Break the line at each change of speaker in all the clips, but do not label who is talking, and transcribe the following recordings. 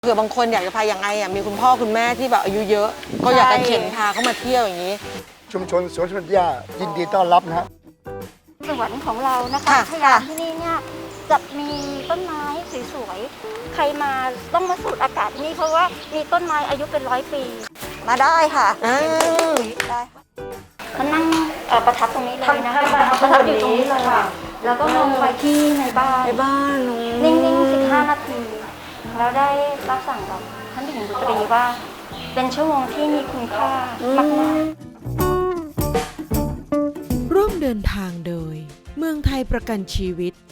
เผื่อบางคนอยากจะพาอย่างไอ่ะมีคุณพ่อคุณแม่ที่แบบอายุเยอะก็อยากจะเข็นพาเขามาเที่ยวอย่างนี้
ชุมชนสวนสวนหญ้ายินดีต้อนรับนะฮะ
สวนของเรานะคะพยานที่นี่เนี่ยจะมีต้นไม้สวยๆใครมาต้องมาสูดอากาศที่นี่เพราะว่ามีต้นไม้อายุเป็น100 ปีมาได้ค่ะได้มานั่งประทับตรงนี้เลยนะคะประทับอยู่ตรงนี้เลยแล้วก็ลงไปที่ในบ้านนิ่งๆ15 นาทีแล้วได้รับสั่งกับท่านหญิงบุตรีว่าเป็นชั่วโมงที่มีคุณค่ามากๆ
ร่วมเดินทางโดยเมืองไทยประกันชีวิต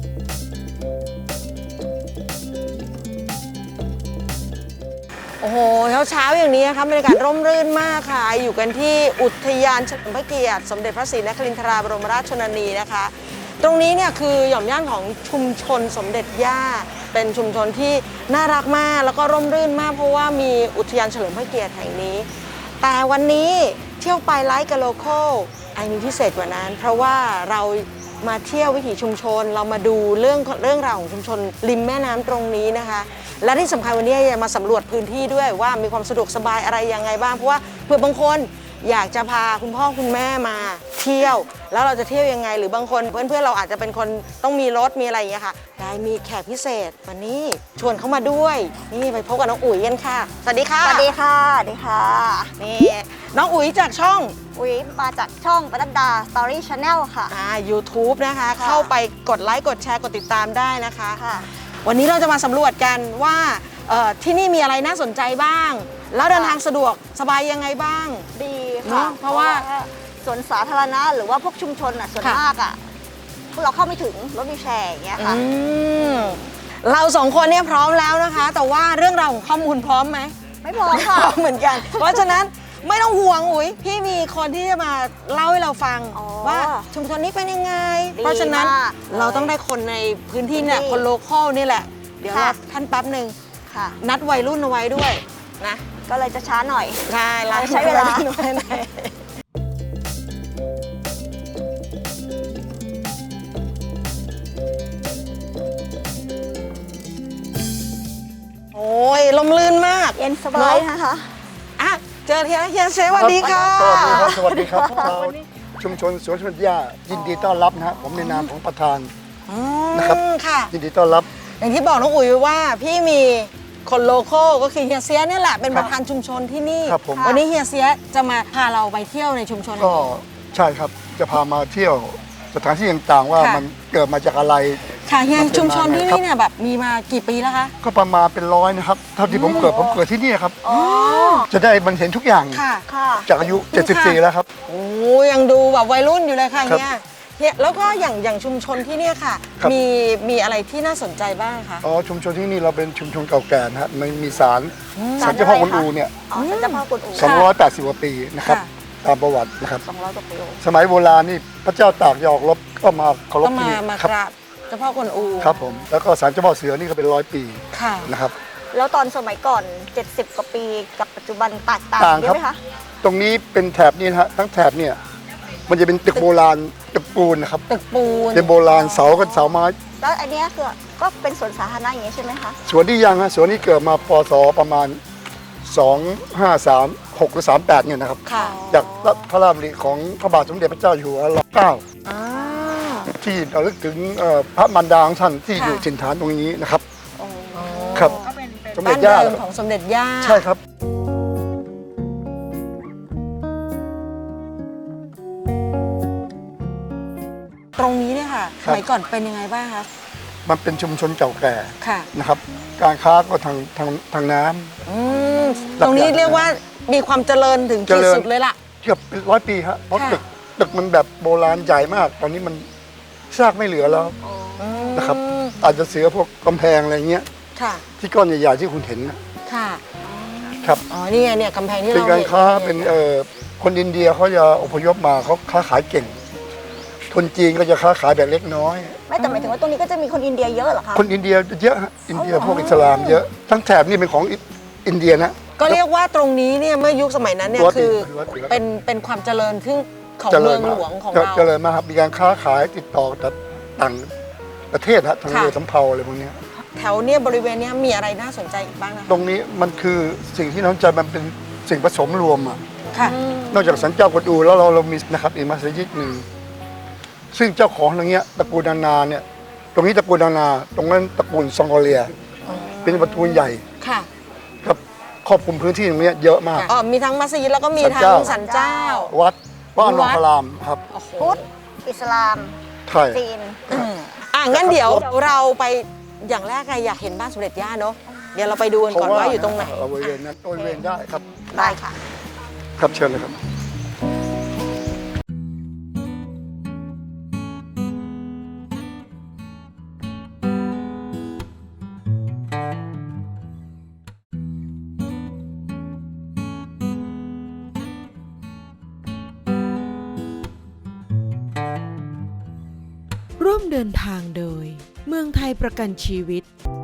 โอ้โหเช้าอย่างนี้นะคะบรรยากาศร่มรื่นมากค่ะอยู่กันที่อุทยานเฉลิมพระเกียรติสมเด็จพระศรีนครินทราบรมราชชนนีนะคะตรงนี้เนี่ยคือหย่อมย่านของชุมชนสมเด็จย่าเป็นชุมชนที่น่ารักมากแล้วก็ร่มรื่นมากเพราะว่ามีอุทยานเฉลิมพระเกียรติแห่งนี้แต่วันนี้เที่ยวไปไลฟ์กับโลคอลมีพิเศษกว่านั้นเพราะว่าเรามาเที่ยววิถีชุมชนเรามาดูเรื่องราวของชุมชนริมแม่น้ำตรงนี้นะคะและที่สำคัญวันนี้จะมาสำรวจพื้นที่ด้วยว่ามีความสะดวกสบายอะไรยังไงบ้างเพราะว่าเผื่อบางคนอยากจะพาคุณพ่อคุณแม่มาเที่ยวแล้วเราจะเที่ยวยังไงหรือบางคนเพื่อนๆเราอาจจะเป็นคนต้องมีรถมีอะไรอย่างเงี้ยค่ะได้มีแขกพิเศษวันนี้ชวนเขามาด้วยนี่ไปพบกับน้องอุ๋ยกันค่ะสวัสดีค่ะ
สวัสดีค่ะสวัสดีค่ะ
นี่น้องอุ๋ยจากช่อง
อุ๋ยมาจากช่องปนัดดา Story Channel ค่ะ
YouTube นะคะเข้าไปกดไลค์กดแชร์กดติดตามได้นะคะวันนี้เราจะมาสำรวจกันว่าที่นี่มีอะไรน่าสนใจบ้างแล้วเดินทางสะดวกสบายยังไงบ้าง
ดีค่ะเพราะว่าสวนสาธารณะหรือว่าพวกชุมชนส่วนมากพวกเราเข้าไม่ถึงรถวีลแชร์อย่างเงี้ยค่ะ
เราสองคนเนี่ยพร้อมแล้วนะคะแต่ว่าเรื่องราวของข้อมูลพร้อมไหม
ไม่พร้อมค่ะ
เหมือนกันเพราะฉะนั้นไม่ต้องห่วงอุ๋ยพี่มีคนที่จะมาเล่าให้เราฟังว่าชุมชนนี้เป็นยังไงเพราะฉะนั้นเราต้องได้คนในพื้นที่เนี่ยคนโลคอลนี่แหละเดี๋ยวเราท่านแป๊บหนึ่งนัดวัยรุ่นเอาไว้ด้วยนะ
ก็เลยจะช้าหน่อย
ใช่
ใช้เวลา
โอ้ยลมลื่นมาก
เย็นสบายนะคะ
เจอเฮียเซสวัสดีค่ะ
สวัสดีครับชาวชุมชนสวนสวนหญ้ายินดีต้อนรับนะฮะผมในนามของประธานนะครับยินดีต้อนรับ
อย่างที่บอกน้องอุ๋ยว่าพี่มีคนโลคอลก็คือเฮียเซียนี่แหละเป็นประธานชุมชนที่นี่วันนี้เฮียเซียจะมาพาเราไปเที่ยวในชุมชน
ก็ใช่ครับจะพามาเที่ยวสถานที่ต่างๆว่ามันเกิดมาจากอะไร
ค่ะเฮียชุมชนที่นี่เนี่ยแบบมีมากี่ปีแล้วคะ
ก็ประมาณเป็น100นะครับเท่าที่ผมเกิดที่นี่ครับจะได้มันเห็นทุกอย่างจากอายุ74แล้วครับ
โอ้ยังดูแบบวัยรุ่นอยู่เลยค่ะเฮียแล้วก็อย่างชุมชนที่นี่ค่ะมีอะไรที่น่าสนใจบ้างคะ
ชุมชนที่นี่เราเป็นชุมชนเก่าแก่นะฮะมันมีศาลเจ้าพ่อกวนอูเนี่ย
ศาลเจ้าพ่อกวนอู
280 กว่าปีนะครับตามประวัตินะครับ
200 กว่าปี
สมัยโบราณนี่พระเจ้าตากยอกรบก็มาเคารพที่นี่
มากราบเจ้าพ่อกวนอู
ครับผมแล้วก็ศาลเจ้าพ่อเสือนี่ก็เป็น100 ปีนะครับ
แล้วตอนสมัยก่อน70 กว่าปีกับปัจจุบันแตกต่างใช่ไหมคะ
ตรงนี้เป็นแถบนี้นะฮะทั้งแถบเนี่ยมันจะเป็นตึกโบราณตึกปูนนะครับ
ตึกปูน
เป็นโบราณเสากับเสาไม้
แล้วอันนี้คือก็เป็นสวนสาธารณะอย่างนี้ใช่ไหมคะ
สวนที่ยังฮะสวนนี้เกิดมาปศประมาณ2536หรือ38เนี่ยนะครับจากพระราชดำริของพระบาทสมเด็จพระเจ้าอยู่หัวรัชกาลที่ที่ระลึกถึงพระมารดาของท่านที่อยู่ถิ่นฐานตรงนี้นะครับครับ
สมเด็จย่าของสมเด็จย่า
ใช่ครับ
ตรงนี้เนี่ยค่ะสมัยก่อนเป็นยังไงบ้างคะ
มันเป็นชุมชนเก่าแก่นะครับการค้าก็ทางน้
ำตรงนี้เรียกว่ามีความเจริญถึงที่สุดเลยล่ะ
เกือบเป็น100 ปีครับเพราะตึกมันแบบโบราณใหญ่มากตอนนี้มันซากไม่เหลือแล้วนะครับอาจจะเสียพวกกำแพงอะไรเงี้ยที่ก้อนใหญ่ๆที่คุณเห็นครับ
นี่ไงเนี่ยกำแพงที่เรา
เป็นการค้าเป็นคนอินเดียเขาจะอพยพมาเขาค้าขายเก่งคนจีนก็จะค้าขายแบบเล็กน้อย
ไม่แต่หมายถึงว่าตรงนี้ก็จะมีคนอินเดียเยอะเหรอคะ
คนอินเดียเยอะอินเดียพวกอิสลามเยอะทั้งแถบนี่เป็นของอินเดียนะ
ก็เรียกว่าตรงนี้เนี่ยเมื่อยุคสมัยนั้นเนี่ยคือเป็นความเจริญขึ้นของเมืองหลวงของเรา
เจริญมากครับมีการค้าขายติดต่อกับต่างประเทศทางเรือสำเภาอะไรพวกนี้
แถวเนี่ยบริเวณเนี้ยมีอะไรน่าสนใจอีกบ้างนะคะ
ตรงนี้มันคือสิ่งที่น้องใจมันเป็นสิ่งผสมรวมอ่ะ
ค่ะ
นอกจากสันเจ้ากวนอูแล้วเรามีนะครับอีกมัสยิดหนึ่งซึ่งเจ้าของตรงเนี้ยตระกูลนานาเนี่ยตรงนี้ตระกูลนานาตรงนั้นตระกูลซองโกเลียเป็นตระกูลใหญ่
ค่ะ
ครับครอบคลุมพื้นที่ตรงเนี้ยเยอะมาก
อ๋อมีทั้งมัสยิดแล้วก็มีทั้งสันเจ้า
วัดบ้านนองพารามครับ
โอ้โห
พุทธอิสลาม
ใช่
จีน
งั้นเดี๋ยวเราไปอย่างแรกไงอยากเห็นบ้านสมเด็จย่าเนาะเดี๋ยวเราไปดูกันก่อนว่าอยู่ตรงไหน
บริเวณนั้นบริเวณได้ครับ
ได้ค่ะ
ครับเชิญเลยครับ
ร่วมเดินทางโดย เมืองไทยประกันชีวิต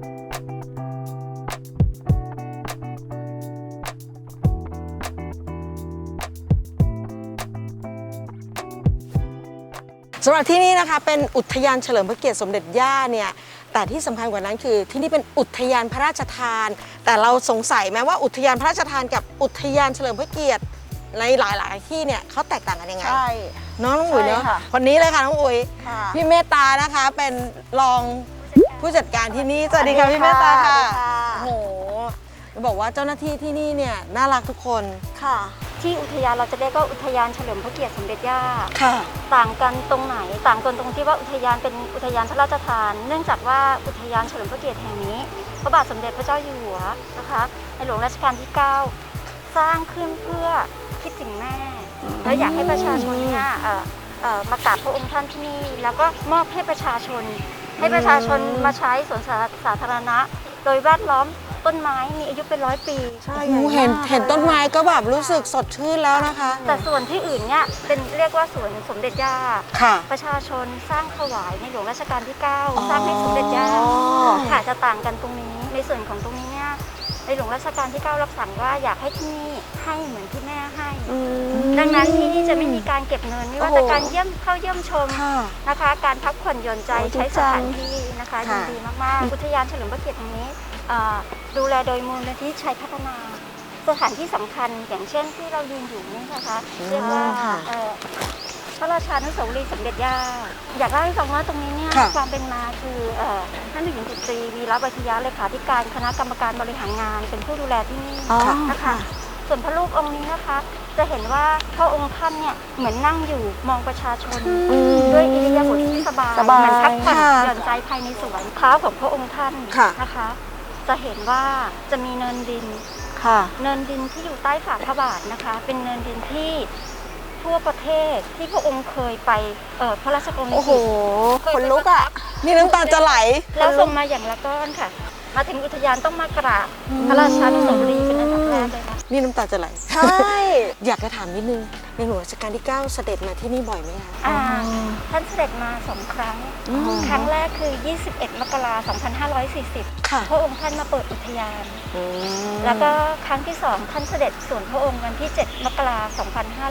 สำหรับที่นี่นะคะเป็นอุทยานเฉลิมพระเกียรติสมเด็จย่าเนี่ยแต่ที่สำคัญกว่านั้นคือที่นี่เป็นอุทยานพระราชทาน แต่เราสงสัยไหมว่าอุทยานพระราชทานกับอุทยานเฉลิมพระเกียรติในหลายๆที่เนี่ยเขาแตกต่างกันยังไง
ใช่
น้องอุ๋ยเนาะ
ใช่ค่ะ
คนนี้เลยค่ะน้องอุ๋ย
ค่ะ
พี่เมตตานะคะเป็นรองผู้จัดการที่นี่สวัสดีค่ะพี่เมตตาค่ะโอ้โหบอกว่าเจ้าหน้าที่ที่นี่เนี่ยน่ารักทุกคน
ค่ะ ที่อุทยานเราจะเรียกว่าอุทยานเฉลิมพระเกียรติสมเด็จย่า
ค่ะ
ต่างกันตรงไหนต่างกันตรงที่ว่าอุทยานเป็นอุทยานพระราชทาน เนื่องจากว่าอุทยานเฉลิมพระเกียรติแห่งนี้พระบาทสมเด็จพระเจ้าอยู่หัวนะคะในหลวงรัชกาลที่ 9 สร้างขึ้นเพื่อคิดถึงแม่และอยากให้ประชาชนเนี่ยมากราบพระองค์ท่านที่นี่แล้วก็มอบให้ประชาชนมาใช้สวนสาธารณะ โดยแวดล้อมต้นไม้มีอายุเป็น100 ปีใช่
โอ้โหเห็นต้นไม้ก็แบบรู้สึกสดชื่นแล้วนะคะ
แต่ส่วนที่อื่นเนี่ยเป็นเรียกว่าสวนสมเด็จย่า
ค่ะ
ประชาชนสร้างถวายในหลวงรัชกาลที่ 9 สร้างให้สมเด็จย่าค่ะจะต่างกันตรงนี้ในส่วนของตรงนี้เนี่ยในหลวงรัชกาลที่ 9 รับสั่งว่าอยากให้ที่นี่ให้เหมือนที่แม่ให้ ดังนั้นที่นี่จะไม่มีการเก็บเงินไม่ว่าจะการเข้าเยี่ยมชม
ค่ะ
นะคะ การพักผ่อนหย่อนใจ
โอ้
ใช้
ดี
ส
จัง
ถานที่นะคะยิ
ค่ะ
นดีมากๆอุทยานเฉลิมพระเกียรติแห่งนี้ดูแลโดยมูลนิธิชัยพัฒนา สถานที่สำคัญอย่างเช่นที่เรายืนอยู่นี่นะคะเรียกว่าพระราชานุสาวรีย์สมเด็จย่าอยากเล่าให้ฟังว่าตรงนี้เนี่ย
ค่ะ
ความเป็นมาคือท่านหญิงจิตรีวีระวัฒยะเลขาธิการคณะกรรมการบริหารงานเป็นผู้ดูแลที่นี่นะคะส่วนพระรูปองค์นี้นะคะ จะเห็นว่าพระองค์ท่านเนี่ยเหมือนนั่งอยู่มองประชาชนด้วยอิริยาบถที่สบายเหมือนพักผ่อนหย่อนใจภายในสวนเท้าของพระองค์ท่านนะคะ จะเห็นว่าจะมีเนินดิน
ค่ะ
เนินดินที่อยู่ใต้ฝ่าพระบาทนะคะ เป็นเนินดินที่ทั่วประเทศที่พระองค์เคยไปพระราชกรณีย
โอ้โห
กิจ
คนลุกอ่ะนี่น้ำตาจะไหล
แล้วส่งมาอย่างละก้อนค่ะ มาถึงอุทยานต้องมากราบพระราชานุสาวรีย์เป็นอันดับแรกเลยนะ
นี่น้ำตาจะไหล
ใช่
อยากจะถามนิดนึงในหลวงรัชกาลที่ 9 เสด็จมาที่นี่บ่อยไหมคะ
ท่านเสด็จมา2 ครั้ง ครั้งแรกคือ 21 มกราคม 2540
ค่ะ
พระองค์ท่านมาเปิดอุทยาน แล้วก็ครั้งที่ 2 ท่านเสด็จส่วนพระองค์วันที่ 7 มกราคม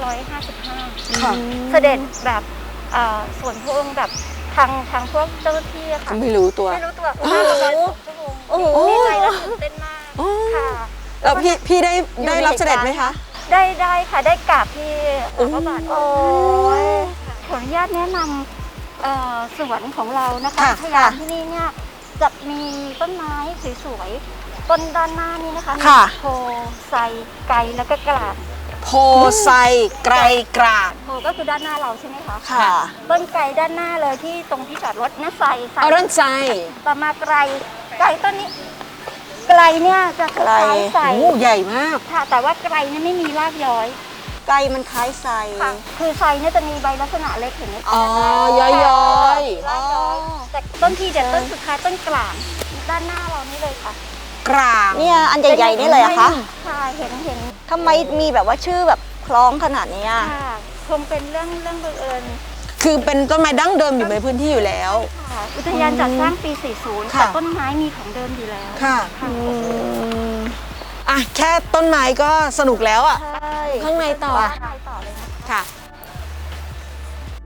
2555
ค่ะ
เสด็จแบบส่วนพระองค์แบบทางพวกเจ้าหน้าที่อะค่ะ
ไม่รู้ตัว
ไม่รู้ตัวมาประมาณ2 ชั่วโมงดีใจและตื่นเต้นมากค่ะ
แล้วพี่ได้รับเสด็จไหมคะ
ได้ค่ะได้กราบที่พระบาทขออนุญาตแนะนำสวนของเรานะคะ
ค่ะ
อุทยานที่นี่เนี่ยจะมีต้นไม้สวยๆต้นด้านหน้านี่นะคะมี
ค่ะ
โพไซไกรแล้วก็กลาด
โพไซไกรกราด
โพก็คือด้านหน้าเราใช่ไหมคะ
ค่ะ
ต้นไกรด้านหน้าเลยที่ตรงที่จอดรถนะไซ
เอาด้านใจ
ต่อมาไกรต้นนี้ไกรเนี่ยจะคล้ายไซ
โอ้ใหญ่มาก
ค่ะแต่ว่าไกรเนี่ยไม่มีรากย้อย
ไกลมันคล้ายไซ
ค่ะคือไซเนี่ยจะมีใบลักษณะเล็กเห็นไหมคะ
อ๋อ ย้อย
รากย้อยแต่ต้นที่เด็ดต้นสุดท้ายต้นกลางด้านหน้าเรานี่เลยค่ะ
ๆ กลาง
เนี่ยอันใหญ่ๆนี่เลยอะคะ
ใช่เห็น
ทำไมมีแบบว่าชื่อแบบคล้องขนาดเนี้ย
ค่ะคงเป็นเรื่องบังเอิญ
คือเป็นต้นไม้ดั้งเดิมอยู่ในพื้นที่อยู่แล้ว
ค่ะอุทยานจัดสร้างปี 40
ค่ะ
แต่ต้นไม้มีของเดิมอยู่แล้ว
ค่ะ
ค่ะ
อ่ะแค่ต้นไม้ก็สนุกแล้วอ่ะ
ใช่
ข้างในต่อ
ข้างในต่อเลยนะ
ค่ะ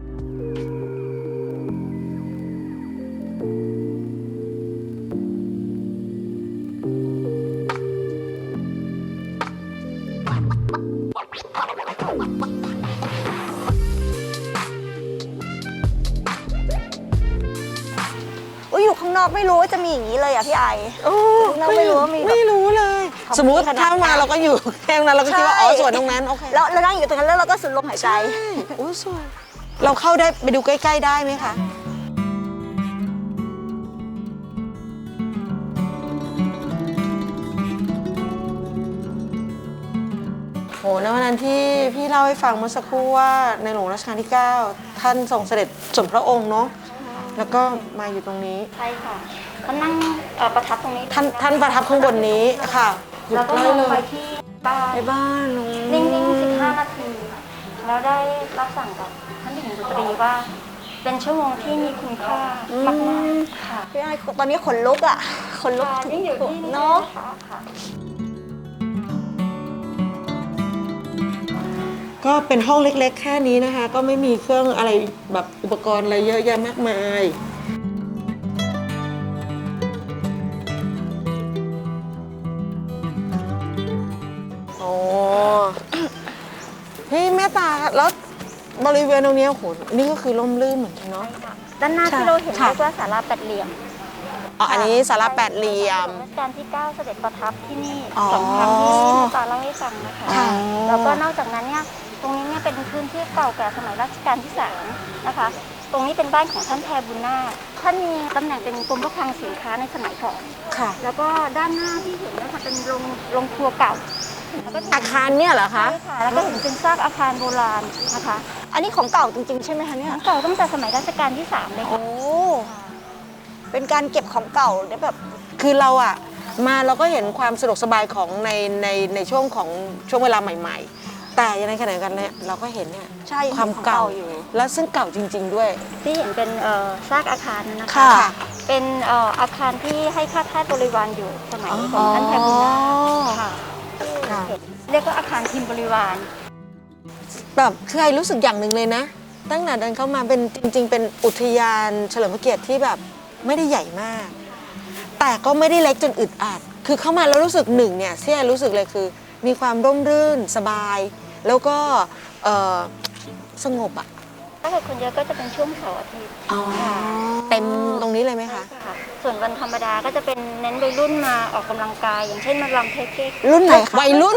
อ
ไม่รู้ว่าจะมีอย่างนี้เลยอ่ะพี่ไอ
โอ้
เราไม่รู้ว่ามีแบบ
ไม่รู้เลย
ของ
สมมุติ
ขนาด
ถ้ามาเราก็อยู่แค่นั้นเราก็คิดว่า
ใช่
อ๋อส่วนตรงนั้นโอเค
แล้วเรานั่งอยู่ตรงนั้นแล้วเราก็สูดลมหายใจ
ใช่โอ้สวยเราเข้าได้ไปดูใกล้ๆได้ไหมคะโหในวันนั้นที่พี่เล่าให้ฟังเมื่อสักครู่ว่าในหลวงรัชกาลที่ 9 ท่านทรงเสด็จสมพระองค์เนาะแล้วก็มาอยู่ตรงนี้
ใช่ค่ะท่านนั่งประทับตรงนี้
ท่านประทับข้างบนนี้ค่ะอยู่
แล้วก็
ใก
ม
ล้
อง
เล
ไป
ย
ที่บ้าน
ในบ้าน
นิ่งๆ15 นาที แล้วได้รับสั่งกับท่านหญิงบุตรีว่า เป็นชั่วโมงที่มีคุณค่ามากๆค่ะ
พี่ไอตอนนี้ขนลุกอ่ะขนลุก
ยิ่งอยู่ที่นี่
เนาะ
ค่ะ
ก็เป็นห้องเล็กๆ แค่นี้นะคะ ก็ไม่มีเครื่องอะไรแบบอุปกรณ์อะไรเยอะแยะมากมายโอ้ พี่แม่ตาแล้วบริเวณตรงนี้โอ้โหนี่ก็คือร่มรื่นเหมือนกันเนาะ
ด้านหน้าที่เราเห็น
ค่ะ
เรียกว่าศาลาแปดเหลี่ยม
อ๋ออันนี้ศาลาแปดเหลี่ยม
รัชกาลที่ 9 เสด็จประทับที่นี่
อ๋อ
2 ครั้งที่แม่ตาเล่าให้ฟังนะคะ
ค่ะ
แล้วก็นอกจากนั้นเนี่ยตรงนี้เนี่ยเป็นพื้นที่เก่าแก่สมัยรัชกาลที่ 3 นะคะ ตรงนี้เป็นบ้านของท่านแพรบุญนาคท่านมีตำแหน่งเป็นกรมพระคลังสินค้าในสมัยก่อน
ค่ะ
แล้วก็ด้านหน้าที่เห็นเนี่ยค่ะเป็นโรงครัวเก่าแล้วก็
อาคารเนี่ยเหรอคะ
ใช่ค่ะแล้วก็เห็นเป็นซากอาคารโบราณนะคะ
อันนี้ของเก่าจริงๆใช่ไหมคะเนี่ย
เก่าตั้งแต่สมัยรัชกาลที่ 3 เลย
โอ้
ค่ะ
เป็นการเก็บของเก่าได้แบบ
คือเราอะมาเราก็เห็นความสะดวกสบายของในช่วงของช่วงเวลาใหม่ ๆ แต่ในขณะเดียวกันเนี่ยเราก็เห็นเนี่ย
ใช่
ความ
ของ
เก่า
เก่าอยู่
แล้วซึ่งเก่าจริง ๆ ด้วย
ที่เห็นเป็นซากอาคารนั่นนะคะ
ค่ะ
เป็นอาคารที่ให้ข้าทาสบริวารอยู่สมัยของท่านแพรบุญนาคค่ะ
ค่ะ
เรียกว่าอาคารทีมบริวาร
แบบคือไอรู้สึกอย่างหนึ่งเลยนะ ตั้งแต่เดินเข้ามาเป็นจริง ๆ เป็นอุทยานเฉลิมพระเกียรติที่แบบไม่ได้ใหญ่มาก แต่ก็ไม่ได้เล็กจนอึดอัดคือเข้ามาแล้วรู้สึกหนึ่งเนี่ยที่ไอรู้สึกเลยคือ มีความร่มรื่นสบาย แล้วก็สงบอะ
ถ้าเกิดคนเยอะก็จะเป็นช่วงเสาร์อาทิตย์ค่ะ
เต็มตรงนี้เลยไหมคะ
ค่ะส่วนวันธรรมดาก็จะเป็นเน้นวัยรุ่นมาออกกำลังกาย อย่างเช่นมารำเทคเก๊ก
รุ่นไหนคะ
วัยรุ่น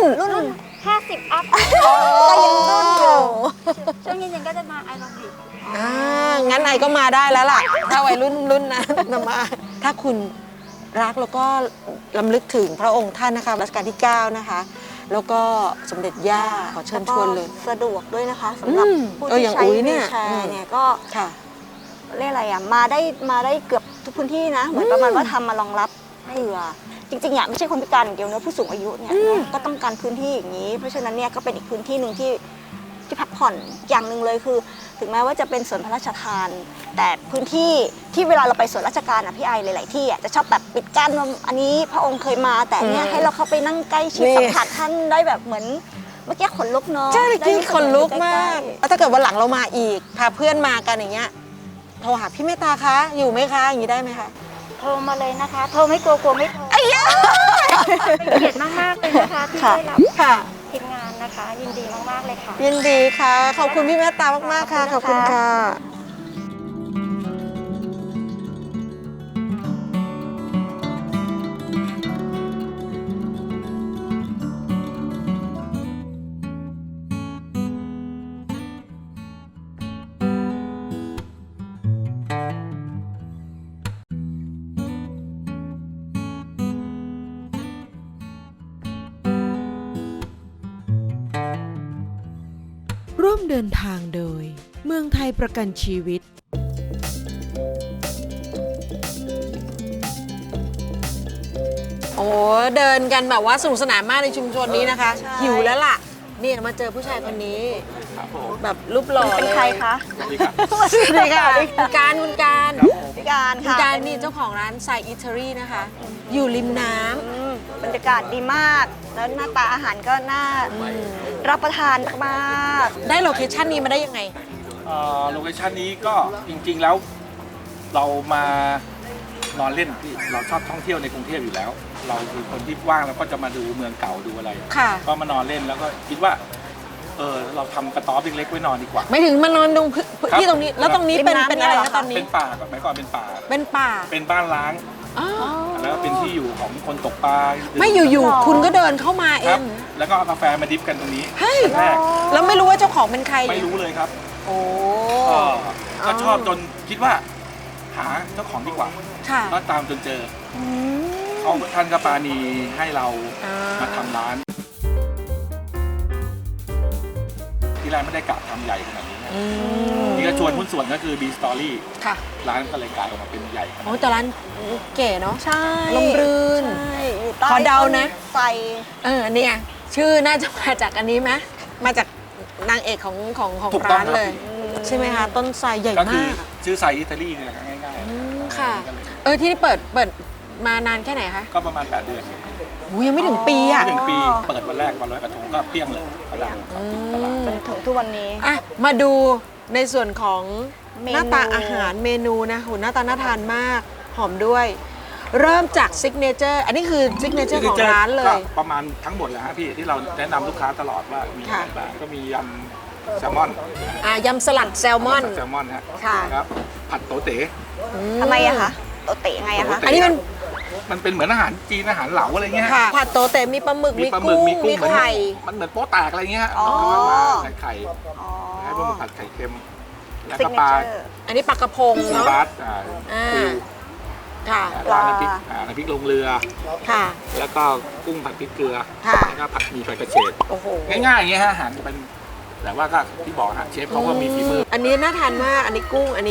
50 อัพ
ก็ยังรุ่นอยู่
ช่วงเย็นๆก็จะมาไอโรบิก
งั้นไอก็มาได้แล้วล่ะ ถ้าวัยรุ่นนั้นมา ถ้าคุณรักแล้วก็ลำลึกถึงพระองค์ท่านนะคะรัชกาลที่ 9 นะคะ แล้วก็สมเด็จย่าขอเชิญชวนเลย
สะดวกด้วยนะคะสำหรับผู้
อ
ที่
ย่าง
ใช้
อุ๊ย
วี
เนี่
ล
ย
แชร์เนี่ยก็
ค่ะ
เรียกอะไรอ่ะมาได้เกือบทุกพื้นที่นะ เหมือนประมาณว่าทำมารองรับเผื่อจริงๆอ่ะไม่ใช่คนพิการอย่างเดียวนะผู้สูงอายุเนี่ยก็ต้องการพื้นที่อย่างนี้ เพราะฉะนั้นเนี่ยก็เป็นอีกพื้นที่หนึ่งที่พักผ่อนอย่างหนึ่งเลยคือ ถึงแม้ว่าจะเป็นสวนพระราชทาน แต่พื้นที่ที่เวลาเราไปสวนราชการอ่ะพี่ไอหลายๆที่อ่ะจะชอบแบบปิดกั้นว่าอันนี้พระองค์เคยมาแต่เนี่ยให้เราเข้าไปนั่งใกล้ชิด
นี่
สัมผัสท่านได้แบบเหมือนเมื่อกี้ขนลุกเนาะ
ใช่จริง
ได้
ขนลุกมาก
ใล้ๆ
แล้วถ้าเกิดวันหลังเรามาอีก พาเพื่อนมากันอย่างเงี้ย โทรหาพี่เมตตาคะ อยู่ไหมคะ อย่างนี้ได้ไหมคะ
โทรมาเลยนะคะ โทรไม่กลัวไม่โทรเป็นเกียรติมากๆเลยนะคะที่ได้รับ
ค่ะ
ทีมงานนะคะ ยินดีมากๆเลยค่ะ
ยินดีค่ะ ขอบคุณพี่เมตตามากๆค่ะ ขอบคุณค่ะ
ร่วมเดินทางโดย เมืองไทยประกันชีวิต
โอ้เดินกันแบบว่าสนุกสนานมากในชุมชนนี้นะคะ
ใช่
หิวแล้วล่ะ นี่มาเจอผู้ชายคนนี้ แบบรูปหล่อ
เป็น
เลย
ใครคะ
สวัสดีค่ะคุณการ
พี่การ
คุณ
ค่ะ
การนี่เจ้าของร้านไซอิตาลีนะคะ อยู่ริมน้ำ
บรรยากาศดีมาก แล้วหน้าตาอาหารก็น่ารับประทานมาก
ได้โลเคชั่นนี้มาได้ยังไง
โลเคชันนี้ก็จริงๆแล้วเรามานอนเล่นที่เราชอบท่องเที่ยวในกรุงเทพอยู่แล้ว เราคือคนที่ว่างแล้วก็จะมาดูเมืองเก่าดูอะไร
ค่ะ
ก็มานอนเล่นแล้วก็คิดว่าเราทำกระต๊อบเล็กๆไว้นอนดีกว่า
ไม่ถึงมานอนตรง
ครับ
ที่ตรงนี้ แล้วตรงนี้เป็น
ริมน้ำ
เป็นอะไร
เนี่ยเหรอ
คะตอนนี้
เป็นป่าก่อนเมื่อก่อนเป็นป่า
เป็นป่า
เป็นบ้านล้าง
อ๋อ
แล้วก็เป็นที่อยู่ของคนตกปลา
ไม่อยู่ๆคุณก็เดินเข้ามาเอ
ครับ
ง
แล้วก็เอากาแฟมาดิฟกันตรงนี้
เฮ้ย
แรก
แล้วไม่รู้ว่าเจ้าของเป็นใคร
ไม่รู้เลยครับ
โอ้
ก็ชอบจนคิดว่า หาเจ้าของดีกว่า
ค่ะ
ก็ตามจนเจอเขาท่านก็ปราณีให้เรา
อ่
มาทำร้าน ที่แรกไม่ได้กะทำใหญ่ขนาดนี้นะ
อืม
นี่ก็ชวนหุ้นส่วนก็คือ B Story
ค่ะ
ร้านก็เลยกลายออกมาเป็นใหญ่ขนาด
โอ้
นี้
แต่ร้านเก๋เนาะ
ใช่
ลมรื่น
ใช่อยู่ใต้
ขอเดานะ
ต้ไทร
เนี่ยชื่อน่าจะมาจากอันนี้ไหมมาจากนางเอกของ
ถูกต้อ
ร้าง น
ครับ
เลย ใช่ไหมคะ ต้นไทรใหญ่
ก็คือ
มาก
ชื่อไซอิตาลีเนี่ยง่าย
อืม
ๆ
ค่ะ
ก็เลย
ที่นี่เปิดมานานแค่ไหนคะ
ก็ประมาณ 8 เดือน
หูยังไม่ถึงปีอ่ะ
ไม่ถึงปี เปิดวันแรกวันลอยกระทงก็เปรี้ยงเลยตลาดครับตลาด
จนถึงทุกวันนี้
อ่ะมาดูในส่วนของ
เมนู
หน้าตาอาหารเมนูนะหูหน้าตาน่าทานมาก หอมด้วย เริ่มจากซิกเนเจอร์อันนี้คือซิกเนเจอร์ของร้านเลย
ก็ประมาณทั้งหมดเลยฮะพี่ที่เราแนะนำลูกค้าตลอดว่ามีอะไร
ค่ะ
บ้างก็มียำแซลมอน
ยำสลัดแซลมอน
แซลมอนฮะ
ค่ะ
ครับผัดโตเต๋
ทำไมอะคะโตเตะไงอะคะ
อันนี้มัน
มันเป็นเหมือนอาหารจีนอาหารเหลาอะไรเงี้ย
ค่ะผัดโตเตมีปลาหมึก
มีปลาหมึกมีกุ้ง
มี
เหมือน
ไข่
มันเหมือนโป๊ะแตกอะไรเงี้ย
อ๋อ
แล้วก็มาใส่ไข่
อ๋อ
ให้พวกมันผัดไข่เค็มแล้ว
ซิก
ก็
เน
ปลา
เจอร์
อันนี้ปลากระพง
ปู
เนาะ
บาส
อ่า
ปู
ค่ะ
ราดน้ำพริกน้ำพริกลงเรือ
ค่ะ
แล้วก็กุ้งผัดพริกเกลือ
ค่ะ
แล้วก็ผัดหมี่ไฟกระเฉด
โอ้โห
ง่ายๆอย่างเงี้ยฮะอาหารเป็นแต่ว่าก็ที่บอกฮะเชฟเขาก็มีฝีมือ
อันนี้น่าทานมากอันนี้กุ้งอันนี้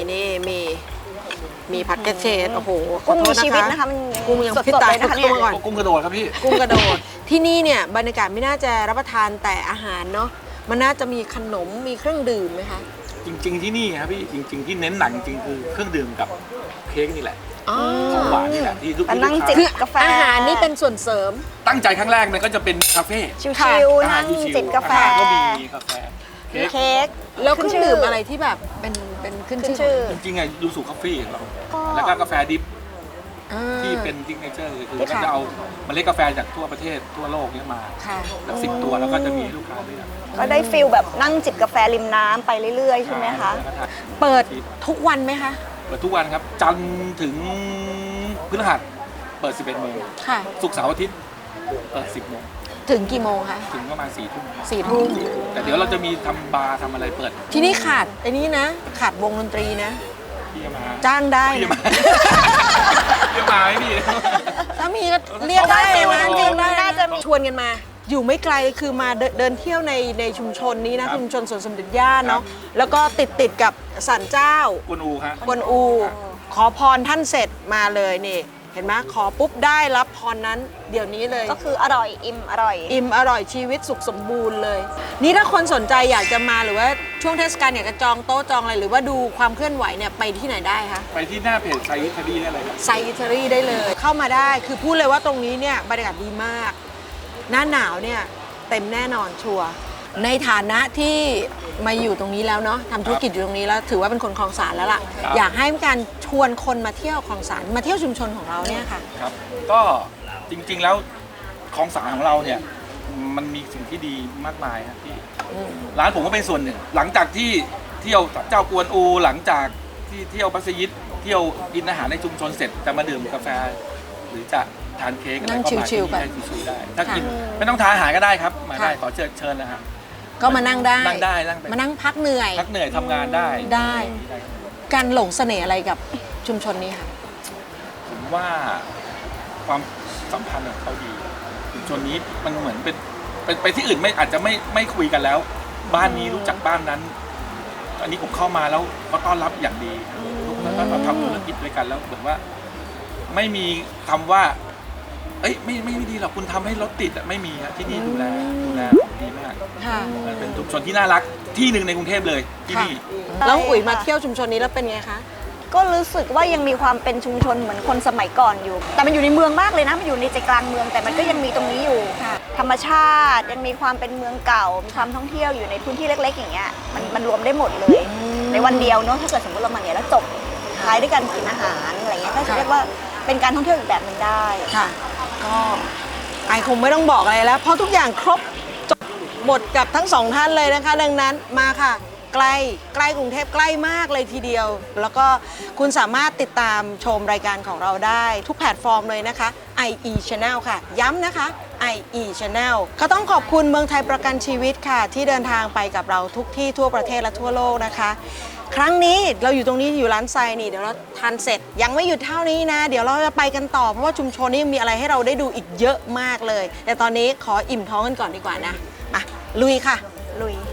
มีผัดกระเฉดโอ้โหขอ
กุ้ง
โท
มี
ษ
ชีวิตนะคะมัน
กุ้งยัง
สด
พี่
ๆ
ตา
เลย ยนะคะเนี่ย
กุ้งก่อน
กุ้งกระโดดครับพี่
กุ้งกระโดด ที่นี่เนี่ยบรรยากาศไม่น่าจะรับประทานแต่อาหารเนาะมันน่าจะมีขนมมีเครื่องดื่มไหมคะ
จริง ๆที่นี่ครับพี่จริง ๆ ที่เน้นหนักจริงๆคือเครื่องดื่มกับเค้กนี่แหละ
อ๋อ
ของหวานนี่แหละที่ทุก
แต่นั่งจิบ
คือก
าแฟ
อาหารนี่เป็นส่วนเสริม
ตั้งใจครั้งแรกมันก็จะเป็นคาเฟ่
ชิ
ค่ะ
ว
อา
ๆ
หา
นั่
รง ชิวๆ
จิบกาแฟ
อาหารก็มีกาแฟเค้
มี
ก
เค้ก
แล้วเครื่อง
ขึ้นชื่อ
ดื่มอะไรที่แบบเป็นขึ้น
ขึ้น
ชื่
ชื่
อ
อ
จริงๆอะยูสุคาเฟ่ของเรา
ก็
แล้วก็กาแฟดิฟ
อ่า
ที่เป็นซิกเนเจอร์คือ
ค่ะ
ก็จะเอาเมล็ดกาแฟจากทั่วประเทศทั่วโลกเนี้ยมา
ค่ะ
แบบ10 ตัวแล้วก็จะมีให้ลูกค้าเลือก
ก็ได้ฟิลแบบนั่งจิบกาแฟริมน้ำไปเรื่อยๆ ใช่ไหมคะ
แล้วก็ทาน
เปิดทุกวันไหมคะ
เปิดทุกวันครับ จันทร์ถึงพฤหัสเปิด 11 โมง
ค่ะ
ศุกร์เสาร์อาทิตย์เปิด 10 โมง
ถึงกี่โมงคะ
ถึงประมาณ 4 ทุ่ม
4 ทุ่ม
แต่เดี๋ยวเราจะมีทำบาร์ทำอะไรเปิด
ที่นี่ขาดไอ้นี้นะ ขาดวงดนตรีนะ
พี่มา
จ้างได้
พี่
นะ
มาพี่มาไหมพี่
ถ้ามีก็เรียกได้
เพราะว่า
นะ
จริงๆ
เรียกได้
น่าจะมี
ชวนกันมา อยู่ไม่ไกลคือมาเดินเที่ยวในชุมชนนี้นะชุมชนสวนสมเด็จย่าเนาะแล้วก็ติดกับศาลเจ้า
กวนอูฮะ
กวนอู ขอพรท่านเสร็จมาเลยนี่ เห็นไหมขอปุ๊บได้รับพรนั้นเดี๋ยวนี้เลย
ก็คืออร่อยอิ่มอร่อย
อิ่มอร่อยชีวิตสุขสมบูรณ์เลย นี่ถ้าคนสนใจอยากจะมาหรือว่าช่วงเทศกาลอยากจะจองโต๊ะจองอะไรหรือว่าดูความเคลื่อนไหวเนี่ยไปที่ไหนได้คะ
ไปที่หน้าเพจไซอิตาลีได้เลยครับ
ไซอิตาลีได้เลย เข้ามาได้คือพูดเลยว่าตรงนี้เนี่ยบรรยากาศดีมาก หน้าหนาวเนี่ยเต็มแน่นอนชัวร์ในฐานะที่มาอยู่ตรงนี้แล้วเนาะทำธุรกิจอยู่ตรงนี้แล้วถือว่าเป็นคนคลองสารแล้วล่ะ อยากให้มีการชวนคนมาเที่ยวคลองสารมาเที่ยวชุมชนของเราเนี่ยค่ะ
ครับ ก็จริงๆแล้วของสารของเราเนี่ยมันมีสิ่งที่ดีมากมายครับพี่ร้านผมก็เป็นส่วนหนึ่ง หลังจากที่เที่ยวเจ้ากวนอู หลังจากที่เที่ยวมัสยิดเที่ยวกินอาหารในชุมชนเสร็จจะมาดื่มกาแฟ หรือจะทานเค้กอะไร
นั่ง
ก็มา
ชิ
ที่
ลๆไป
นี่ได้ชิวๆได้ ถ้ากินไม่ต้องทานอาหารก็ได้ครับ มาได้
ค่ะ
ขอเชิญนะครับ
ก็มานั่งได้
นั่งได้นั่งไป
มานั่งพักเหนื่อย
พักเหนื่อยทำงานได้
ได้ การหลงเสน่ห์อะไรกับชุมชนนี้ค่ะ
ผมว่าความสัมพันธ์ของเขาดีชุมชนนี้มันเหมือนเป็นไปที่อื่นไม่อาจจะไม่คุยกันแล้ว บ้านนี้รู้จักบ้านนั้น อันนี้ผมเข้ามาแล้วเขาต้อนรับอย่างดีแล้วก็เราทำธุรกิจด้วยกันแล้วเหมือนว่า ไม่มีคำว่า เอ้ยไม่ดีหรอกคุณทำให้รถติดอะไม่มีอะที่นี่ดูแลดีมาก
ค่ะ
มันเป็นชุมชนที่น่ารักที่หนึ่งในกรุงเทพเลยที่นี่
แล้วอุ๋ยมาเที่ยวชุมชนนี้แล้วเป็นไงคะ
ก็รู้สึกว่ายังมีความเป็นชุมชนเหมือนคนสมัยก่อนอยู่ แต่มันอยู่ในเมืองมากเลยนะมันอยู่ในใจกลางเมือง แต่มันก็ยังมีตรงนี้อยู่
ค่ะ
ธรรมชาติยังมีความเป็นเมืองเก่า มีความท่องเที่ยวอยู่ในพื้นที่เล็ก ๆ อย่างเงี้ยมันรวมได้หมดเลย ในวันเดียวเนาะถ้าเกิดสมมติเรามาเนี่ยแล้วจบท้ายด้วยการกินอาหารอะไรเงี้ยก็จะเรียกว่าเป็นการท่องเที่ยวอีกแบบหนึ่งได้
ค่ะ ก็ไอคงไม่ต้องบอกอะไรแล้ว เพราะทุกอย่างครบจบหมดกับทั้งสองท่านเลยนะคะ ดังนั้นมาค่ะใกล้กรุงเทพใกล้มากเลยทีเดียว แล้วก็คุณสามารถติดตามชมรายการของเราได้ทุกแพลตฟอร์มเลยนะคะ IE Channel ค่ะย้ำนะคะ IE Channel ก็ต้องขอบคุณเมืองไทยประกันชีวิตค่ะที่เดินทางไปกับเราทุกที่ทั่วประเทศและทั่วโลกนะคะ ครั้งนี้เราอยู่ตรงนี้อยู่ร้านไซนี่เดี๋ยวเราทานเสร็จยังไม่หยุดเท่านี้นะ เดี๋ยวเราจะไปกันต่อเพราะว่าชุมชนนี้ยังมีอะไรให้เราได้ดูอีกเยอะมากเลย แต่ตอนนี้ขออิ่มท้องกันก่อนดีกว่านะมาลุยค่ะลุย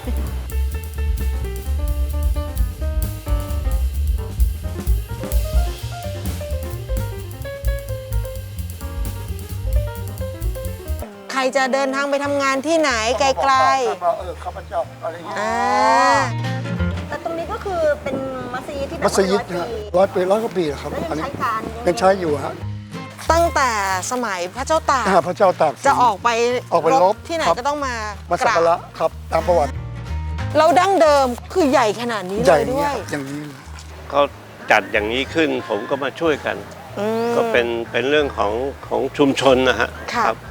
ใครจะเดินทางไปทำงานที่ไหนไกล
ข้าพเจ้าอะไรเงี้ย
ๆ
แต่ตรงนี้ก็คือเป็นมัสยิดที่แบบ
มัสยิด
100
นะ
ปี
ร้อยกว่าปีแล้วครับ
แล้วยัง
อันนี้
ใช้การ
ยังใช้อยู่ฮะ
ตั้งแต่สมัยพระเจ้าตาก
พระเจ้าตากสิน
จะออกไป
รบ
ที่ไหน
ครับ
ก็ต้องมา
มาสักการะครับตามประวัติ
เราดั้งเดิมคือใหญ่ขนาดนี้
ให
เล
ญ่
ยด้วย
อย่างนี้
เขาจัดอย่างนี้ขึ้นผมก็มาช่วยกัน
อืม
ก็เป็นเรื่องของชุมชนนะฮะ
ค่ะ
ครับ